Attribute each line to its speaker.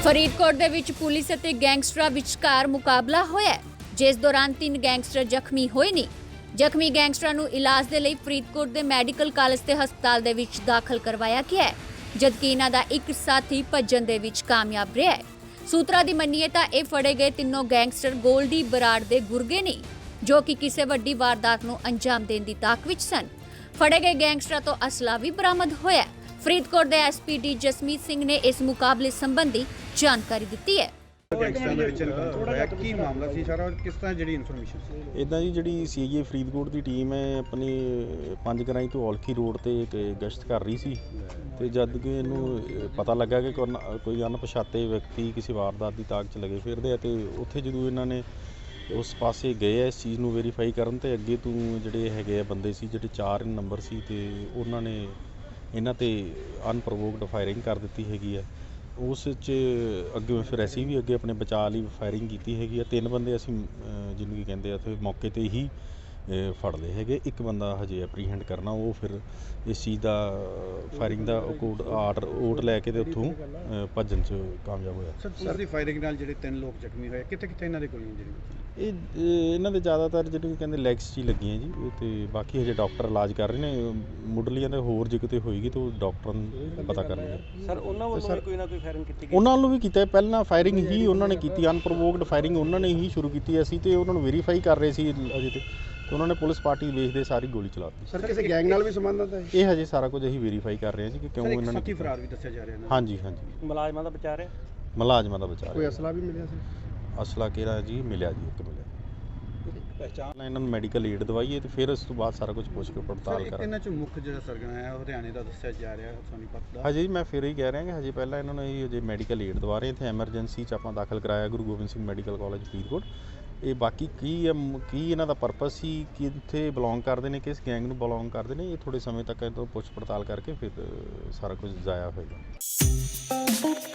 Speaker 1: ਫਰੀਦਕੋਟ ਦੇ ਵਿੱਚ ਪੁਲਿਸ ਅਤੇ ਗੈਂਗਸਟਰਾਂ ਵਿਚਕਾਰ ਮੁਕਾਬਲਾ ਹੋਇਆ, ਜਿਸ ਦੌਰਾਨ 3 ਗੈਂਗਸਟਰ ਜ਼ਖਮੀ ਹੋਏ ਨੇ। ਜ਼ਖਮੀ ਗੈਂਗਸਟਰਾਂ ਨੂੰ ਇਲਾਜ ਦੇ ਲਈ ਫਰੀਦਕੋਟ ਦੇ ਮੈਡੀਕਲ ਕਾਲਜ ਤੇ ਹਸਪਤਾਲ ਦੇ ਵਿੱਚ ਦਾਖਲ ਕਰਵਾਇਆ ਗਿਆ ਹੈ, ਜਦਕਿ ਇਹਨਾਂ ਦਾ ਇੱਕ ਸਾਥੀ ਭੱਜਣ ਦੇ ਵਿੱਚ ਕਾਮਯਾਬ ਰਿਹਾ ਹੈ। ਸੂਤਰਾਂ ਦੀ ਮੰਨੀਏ ਤਾਂ ਇਹ ਫੜੇ ਗਏ ਤਿੰਨੋਂ ਗੈਂਗਸਟਰ ਗੋਲਡੀ ਬਰਾੜ ਦੇ ਗੁਰਗੇ ਨੇ, ਜੋ ਕਿ ਕਿਸੇ ਵੱਡੀ ਵਾਰਦਾਤ ਨੂੰ ਅੰਜਾਮ ਦੇਣ ਦੀ ਤਾਕ ਵਿੱਚ ਸਨ। ਫੜੇ ਗਏ ਗੈਂਗਸਟਰਾਂ ਤੋਂ ਅਸਲਾ ਵੀ ਬਰਾਮਦ ਹੋਇਆ। ਫਰੀਦਕੋਟ ਦੇ ਐਸਪੀਡੀ ਜਸਮੀਤ ਸਿੰਘ ਨੇ ਇਸ ਮੁਕਾਬਲੇ ਸੰਬੰਧੀ ਜਾਣਕਾਰੀ ਦਿੱਤੀ ਹੈ। ਕੀ ਮਾਮਲਾ ਸੀ ਸਾਰਾ, ਕਿਸ ਤਰ੍ਹਾਂ ਜਿਹੜੀ ਇਨਫੋਰਮੇਸ਼ਨ ਸੀ?
Speaker 2: ਇੱਦਾਂ ਜੀ, ਜਿਹੜੀ ਸੀਆਈਏ ਫਰੀਦਕੋਟ ਦੀ ਟੀਮ ਹੈ ਆਪਣੀ ਪੰਜ ਗਰਾਈ ਤੋਂ ਔਲਖੀ ਰੋਡ ਤੇ ਗਸ਼ਤ ਕਰ ਰਹੀ ਸੀ, ਤੇ ਜਦ ਕਿ ਇਹਨੂੰ ਪਤਾ ਲੱਗਾ ਕਿ ਕੋਈ ਅਣਪਛਾਤੇ ਵਿਅਕਤੀ ਕਿਸੇ ਵਾਰਦਾਤ ਦੀ ਤਾਕ 'ਚ ਲੱਗੇ ਫਿਰਦੇ ਆ, ਤੇ ਉੱਥੇ ਜਦੋਂ ਇਹਨਾਂ ਨੇ ਉਸ ਪਾਸੇ ਗਏ ਆ ਇਸ ਚੀਜ਼ ਨੂੰ ਵੈਰੀਫਾਈ ਕਰਨ, ਤੇ ਅੱਗੇ ਤੋਂ ਜਿਹੜੇ ਹੈਗੇ ਆ ਬੰਦੇ ਸੀ, ਜਿਹੜੇ 4 ਨੰਬਰ ਸੀ, ਤੇ ਉਹਨਾਂ ਨੇ ਇਹਨਾਂ ਤੇ ਅਨਪ੍ਰੋਵੋਕਡ ਫਾਇਰਿੰਗ ਕਰ ਦਿੱਤੀ ਹੈਗੀ ਆ। ਉਸ 'ਚ ਅੱਗੇ ਫਿਰ ਅਸੀਂ ਵੀ ਅੱਗੇ ਆਪਣੇ ਬਚਾਅ ਲਈ ਫਾਇਰਿੰਗ ਕੀਤੀ ਹੈਗੀ ਆ। 3 ਬੰਦੇ ਅਸੀਂ ਜਿਹਨੂੰ ਕੀ ਕਹਿੰਦੇ ਆ ਉੱਥੇ ਮੌਕੇ 'ਤੇ ਹੀ ਫੜ ਲਏ ਹੈਗੇ। ਇੱਕ ਬੰਦਾ ਹਜੇ ਐਪਰੀਹੈਂਡ ਕਰਨਾ, ਉਹ ਫਿਰ ਇਸ ਚੀਜ਼ ਦਾ ਫਾਇਰਿੰਗ ਦਾ ਓਟ ਲੈ ਕੇ ਤੇ ਉੱਥੋਂ ਭੱਜਣ 'ਚ ਕਾਮਯਾਬ ਹੋਇਆ।
Speaker 3: ਸਰ ਦੀ ਫਾਇਰਿੰਗ ਨਾਲ ਜਿਹੜੇ 3 ਲੋਕ ਜ਼ਖਮੀ ਹੋਏ, ਕਿੱਥੇ ਇਹਨਾਂ ਦੇ ਕੋਈ ਇੰਜਰੀ?
Speaker 2: ਇਹਨਾਂ ਦੇ ਜ਼ਿਆਦਾਤਰ ਜਿਹਨੂੰ ਕਹਿੰਦੇ ਲੈਗਸ 'ਚ ਹੀ ਲੱਗੀਆਂ ਜੀ, ਤੇ ਬਾਕੀ ਹਜੇ ਡਾਕਟਰ ਇਲਾਜ ਕਰ ਰਹੇ ਨੇ। ਮੁੱਢਲੀਆਂ ਦੇ ਹੋਰ ਜੇ ਕਿਤੇ ਹੋਏਗੀ ਤਾਂ ਉਹ ਡਾਕਟਰ ਨੂੰ ਪਤਾ ਕਰਨਗੇ।
Speaker 3: ਸਰ ਉਹਨਾਂ ਵੱਲੋਂ ਕੋਈ ਨਾ ਕੋਈ ਫਾਇਰਿੰਗ ਕੀਤੀ ਗਈ?
Speaker 2: ਉਹਨਾਂ ਵੱਲੋਂ ਵੀ ਕੀਤਾ, ਪਹਿਲਾਂ ਫਾਇਰਿੰਗ ਹੀ ਉਹਨਾਂ ਨੇ ਕੀਤੀ, ਅਨਪ੍ਰੋਵੋਕਡ ਫਾਇਰਿੰਗ ਉਹਨਾਂ ਨੇ ਹੀ ਸ਼ੁਰੂ ਕੀਤੀ। ਅਸੀਂ ਤੇ ਉਹਨਾਂ ਨੂੰ ਵੈਰੀਫਾਈ ਕਰ ਰਹੇ ਸੀ ਅਜੇ ਤੇ ਉਹਨਾਂ ਨੇ ਪੁਲਿਸ ਪਾਰਟੀ ਵੇਖਦੇ ਸਾਰੀ ਗੋਲੀ ਚਲਾਤੀ।
Speaker 3: ਸਰ ਕਿਸੇ ਗੈਂਗ ਨਾਲ ਵੀ ਸੰਬੰਧਤ ਹੈ?
Speaker 2: ਇਹ ਹਜੇ ਸਾਰਾ ਕੁਝ ਅਸੀਂ ਵੈਰੀਫਾਈ ਕਰ ਰਹੇ ਹਾਂ ਜੀ ਕਿ ਕਿਉਂ ਇਹਨਾਂ ਨੇ
Speaker 3: ਸਾਥੀ ਫਰਾਰ ਵੀ ਦੱਸਿਆ ਜਾ ਰਿਹਾ ਹੈ।
Speaker 2: ਹਾਂਜੀ ਹਾਂਜੀ,
Speaker 3: ਮੁਲਾਜ਼ਮਾਂ ਦਾ ਬਚਾ ਰਿਹਾ?
Speaker 2: ਮੁਲਾਜ਼ਮਾਂ ਦਾ ਬਚਾ ਰਿਹਾ।
Speaker 3: ਕੋਈ ਅਸਲਾ ਵੀ ਮਿਲਿਆ ਸੀ?
Speaker 2: ਅਸਲਾ ਕਿਹੜਾ ਜੀ ਮਿਲਿਆ ਜੀ, ਇੱਕ ਮਿਲਿਆ। ਪਹਿਚਾਣ ਇਹਨਾਂ ਨੂੰ ਮੈਡੀਕਲ ਏਡ ਦਵਾਈਏ ਤੇ ਫਿਰ ਉਸ ਤੋਂ ਬਾਅਦ ਸਾਰਾ ਕੁਝ ਪੁੱਛ ਕੇ ਪੜਤਾਲ ਕਰਾਂਗੇ।
Speaker 3: ਇਹਨਾਂ 'ਚ ਮੁੱਖ ਜਿਹੜਾ ਸਰਗਨਾ ਹੈ ਹਰਿਆਣੇ ਦਾ ਦੱਸਿਆ ਜਾ ਰਿਹਾ, ਸੋਨੀਪਤ ਦਾ।
Speaker 2: ਹਜੇ ਮੈਂ ਫਿਰ ਹੀ ਕਹਿ ਰਿਹਾ ਕਿ ਹਜੇ ਪਹਿਲਾਂ ਇਹਨਾਂ ਨੂੰ ਇਹ ਹਜੇ ਮੈਡੀਕਲ ਏਡ ਦਵਾ ਰਹੇ। ਇੱਥੇ ਐਮਰਜੈਂਸੀ 'ਚ ਆਪਾਂ ਦਾਖਲ ਕਰਾਇਆ ਗੁਰੂ ਗੋਬਿੰਦ ਸਿੰਘ ਮੈਡੀਕਲ ਕਾਲਜ ਫਰੀਦਕੋਟ। ਇਹ ਬਾਕੀ ਕੀ ਇਹਨਾਂ ਦਾ ਪਰਪਸ ਸੀ, ਕਿੱਥੇ ਬਿਲੋਂਗ ਕਰਦੇ ਨੇ, ਕਿਸ ਗੈਂਗ ਨੂੰ ਬਿਲੋਂਗ ਕਰਦੇ ਨੇ, ਇਹ ਥੋੜ੍ਹੇ ਸਮੇਂ ਤੱਕ ਇਹ ਤੋਂ ਪੁੱਛ ਪੜਤਾਲ ਕਰਕੇ ਫਿਰ ਸਾਰਾ ਕੁਝ ਜ਼ਾਇਆ ਹੋਏਗਾ।